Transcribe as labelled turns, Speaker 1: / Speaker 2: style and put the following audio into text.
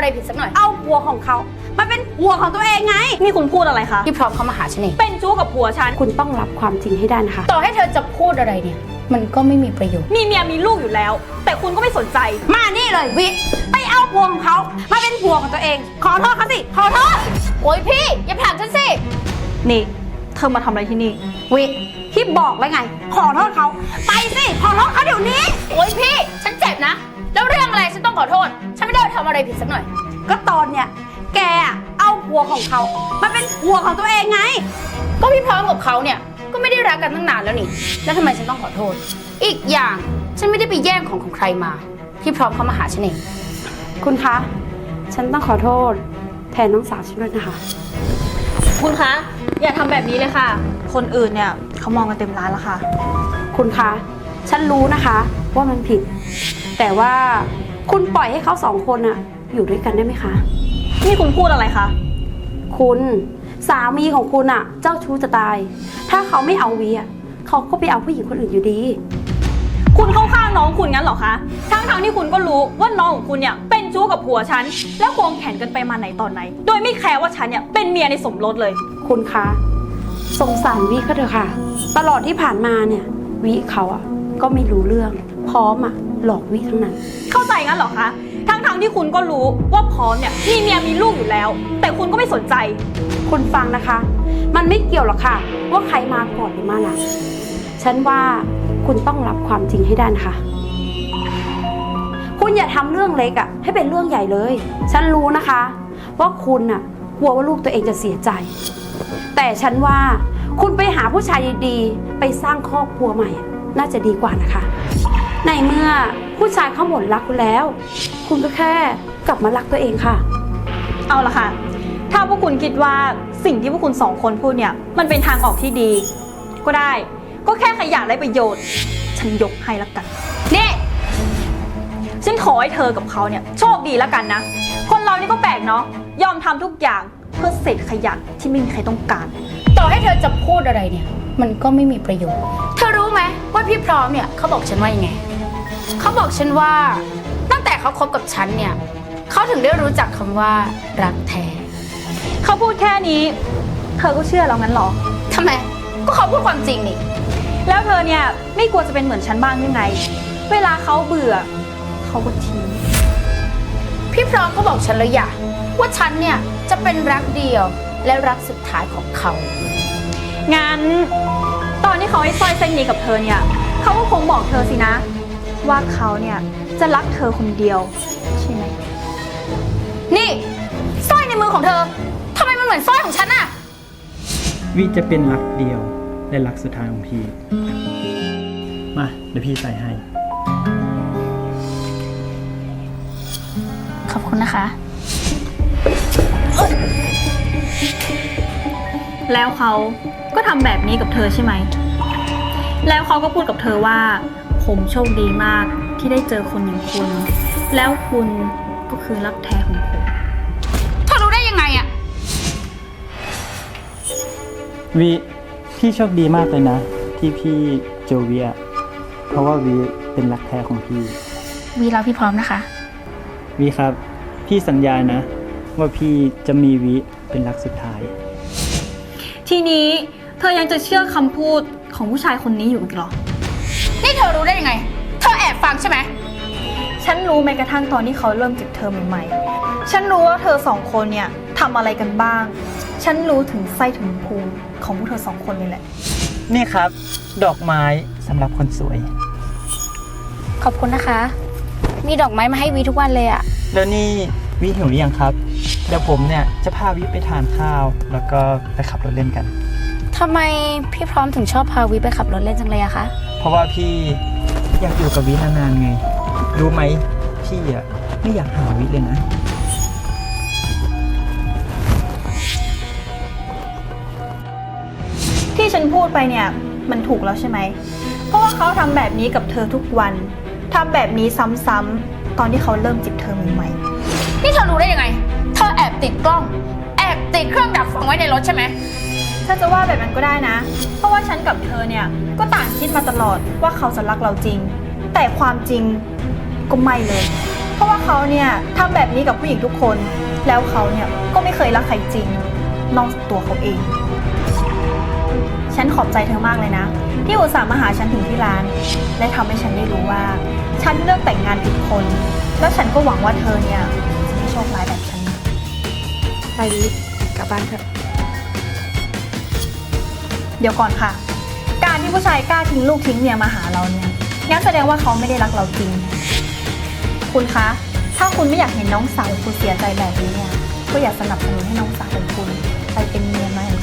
Speaker 1: อะไรผิดสักหน่อย
Speaker 2: เอาผัวของเขามาเป็นผัวของตัวเองไง
Speaker 3: นี่คุณพูดอะไรคะ
Speaker 1: พี่พร้อมเขามาหาฉันเอง
Speaker 3: เป็นชู้กับผัวฉัน
Speaker 2: คุณต้องรับความจริงให้ได้นะคะ
Speaker 1: ต่อให้เธอจะพูดอะไรเนี่ยมันก็ไม่มีประโยชน์
Speaker 3: มีเมียมีลูกอยู่แล้วแต่คุณก็ไม่สนใจ
Speaker 2: มานี่เลยวิไปเอาผัวของเขามาเป็นผัวของตัวเองขอโทษเขาสิขอโทษ
Speaker 1: โอ๊ยพี่อย่าผลักฉันสิ
Speaker 3: นี่เธอมาทำอะไรที่นี่
Speaker 2: วิพี่บอกไว้ไงขอโทษเขาไปสิขอโทษเขาเดี๋ยวนี้
Speaker 1: โอ๊ยพี่ฉันเจ็บนะแล้วเรื่องอะไรฉันต้องขอโทษฉันไม่ได้ทำอะไรผิดสักหน่อย
Speaker 2: ก็ตอนเนี้ยแกเอาผัวของเขามาเป็นผัวของตัวเองไง
Speaker 1: ก็พี่พร้อมกับเขาเนี่ยก็ไม่ได้รักกันตั้งนานแล้วนี่แล้วทำไมฉันต้องขอโทษอีกอย่างฉันไม่ได้ไปแย่งของใครมาพี่พร้อมเขามาหาฉันเอง
Speaker 2: คุณคะฉันต้องขอโทษแทนน้องสาวฉันด้วยนะคะ
Speaker 3: คุณคะอย่าทำแบบนี้เลยค่ะคนอื่นเนี่ยเขามองกันเต็มร้านแล้วค่ะ
Speaker 2: คุณคะฉันรู้นะคะว่ามันผิดแต่ว่าคุณปล่อยให้เขาสองคนอะอยู่ด้วยกันได้ไหมคะ
Speaker 3: นี่คุณพูดอะไรคะ
Speaker 2: คุณสามีของคุณอะเจ้าชู้จะตายถ้าเขาไม่เอาวีอะเขาก็ไปเอาผู้หญิงคนอื่นอยู่ดี
Speaker 3: คุณเข้าข้างน้องคุณงั้นเหรอคะทั้งที่คุณก็รู้ว่าน้องของคุณเนี่ยเป็นชู้กับผัวฉันแล้วควงแขนกันไปมาไหนตอนไหนโดยไม่แคร์ว่าฉันเนี่ยเป็นเมียในสมรสเลย
Speaker 2: คุณคะสงสารวิเขาเถอะค่ะตลอดที่ผ่านมาเนี่ยวิเขาอะก็ไม่รู้เรื่องพร้อมอะหลอกวิทั้งนั้น
Speaker 3: เข้าใจงั้นเหรอคะทั้งที่คุณก็รู้ว่าพร้อมเนี่ยมีเมียมีลูกอยู่แล้วแต่คุณก็ไม่สนใจ
Speaker 2: คุณฟังนะคะมันไม่เกี่ยวหรอกค่ะว่าใครมาก่อนหรือมาหลังฉันว่าคุณต้องรับความจริงให้ได้นะคะคุณอย่าทำเรื่องเล็กอะให้เป็นเรื่องใหญ่เลยฉันรู้นะคะว่าคุณอะกลัวว่าลูกตัวเองจะเสียใจแต่ฉันว่าคุณไปหาผู้ชายดีๆไปสร้างครอบครัวใหม่น่าจะดีกว่านะคะในเมื่อผู้ชายเขาหมดรักคุณแล้วคุณก็แค่กลับมารักตัวเองค่ะ
Speaker 3: เอาล่ะค่ะถ้าพวกคุณคิดว่าสิ่งที่พวกคุณสองคนพูดเนี่ยมันเป็นทางออกที่ดีก็ได้ก็แค่ขยะได้ประโยชน์ฉันยกให้ละกันนี่ฉันขอให้เธอกับเขาเนี่ยโชคดีละกันนะคนเรานี่ก็แปลกเนาะยอมทำทุกอย่างเพื่อเศษขยะที่ไม่มีใครต้องการ
Speaker 1: ต่อให้เธอจะพูดอะไรเนี่ยมันก็ไม่มีประโยชน์เธอรู้ไหมว่าพี่พร้อมเนี่ยเขาบอกฉันว่ายังไงเขาบอกฉันว่าตั้งแต่เขาคบกับฉันเนี่ยเขาถึงได้รู้จักคำว่ารักแท้
Speaker 3: เขาพูดแค่นี้เธอก็เชื่อแล้วงั้นหรอ
Speaker 1: ทำไมก็เขาพูดความจริงนี่
Speaker 3: แล้วเธอเนี่ยไม่กลัวจะเป็นเหมือนฉันบ้างหรือไงเวลาเขาเบื่อเขาก็ทิ้ง
Speaker 1: พี่พร้อมก็บอกฉันแล้วอย่าว่าฉันเนี่ยจะเป็นรักเดียวและรักสุดท้ายของเขา
Speaker 3: งั้นตอนที่เขาให้สร้อยเส้นนี้กับเธอเนี่ยเขาก็คงบอกเธอสินะว่าเขาเนี่ยจะรักเธอคนเดียวใช่ไหม
Speaker 1: นี่สร้อยในมือของเธอทำไมมันเหมือนสร้อยของฉันอะ
Speaker 4: วิจะเป็นรักเดียวและรักสุดท้ายของพี่มาเดี๋ยวพี่ใส่ให้
Speaker 1: ขอบคุณนะคะ
Speaker 3: แล้วเขาก็ทำแบบนี้กับเธอใช่ไหมแล้วเขาก็พูดกับเธอว่าผมโชคดีมากที่ได้เจอคนอย่างคุณแล้วคุณก็คือรักแท้ของผม
Speaker 1: เธอรู้ได้ยังไงอะ
Speaker 4: วิพี่โชคดีมากเลยนะที่พี่เจอวิอะเพราะว่าวิเป็นรักแท้ของพี่
Speaker 1: วิรักพี่พร้อมนะคะ
Speaker 4: วิครับพี่สัญญานะว่าพี่จะมีวิเป็นรักสุดท้าย
Speaker 3: ทีนี้เธอยังจะเชื่อคำพูดของผู้ชายคนนี้อยู่อีกหรอ
Speaker 1: นี่เธอรู้ได้ยังไงเธอแอบฟังใช่ไหม
Speaker 3: ฉันรู้แม้กระทั่งตอนที่เขาเริ่มจีบเธอใหม่ๆฉันรู้ว่าเธอสองคนเนี่ยทำอะไรกันบ้างฉันรู้ถึงไส้ถึงพุงของพวกเธอสองคนเลยแหละ
Speaker 4: นี่ครับดอกไม้สำหรับคนสวย
Speaker 1: ขอบคุณนะคะมีดอกไม้มาให้วีทุกวันเลยอะ
Speaker 4: แล้วนี่วิหิวหรือยังครับเดี๋ยวผมเนี่ยจะพาวิไปทานข้าวแล้วก็ไปขับรถเล่นกัน
Speaker 1: ทำไมพี่พร้อมถึงชอบพาวิไปขับรถเล่นจังเลยอะคะ
Speaker 4: เพราะว่าพี่อยากอยู่กับวินานๆไงรู้ไหมพี่อะไม่อยากหาวิเลยนะ
Speaker 3: ที่ฉันพูดไปเนี่ยมันถูกแล้วใช่ไหมเพราะว่าเขาทำแบบนี้กับเธอทุกวันทำแบบนี้ซ้ำๆตอนที่เขาเริ่มจีบเธอใหม่
Speaker 1: ๆนี่เธอรู้ได้ยังไงเธอแอบติดกล้องแอบติดเครื่องดักฟังไว้ในรถใช่ไหม
Speaker 3: ถ้าจะว่าแบบนั้นก็ได้นะเพราะว่าฉันกับเธอเนี่ยก็ต่างคิดมาตลอดว่าเขาจะรักเราจริงแต่ความจริงก็ไม่เลยเพราะว่าเขาเนี่ยทำแบบนี้กับผู้หญิงทุกคน แล้วเขาเนี่ยก็ไม่เคยรักใครจริง นอกจากตัวเขาเอง ฉันขอบใจเธอมากเลยนะ ที่อุตส่าห์มาหาฉันถึงที่ร้าน และทำให้ฉันได้รู้ว่า ฉันเลือกแต่งงานผิดคน แล้วฉันก็หวังว่าเธอเนี่ยจะไม่โชคร้ายแบบฉัน
Speaker 2: ไปดิกลับบ้านเถอะ
Speaker 3: เดี๋ยวก่อนค่ะ การที่ผู้ชายกล้าทิ้งลูกทิ้งเมียมาหาเราเนี่ยงั้นแสดงว่าเขาไม่ได้รักเราจริง คุณคะ ถ้าคุณไม่อยากเห็นน้องสาวคุณเสียใจแบบนี้เนี่ย ก็อย่าสนับสนุนให้น้องสาวของคุณไปเป็นเมียใหม่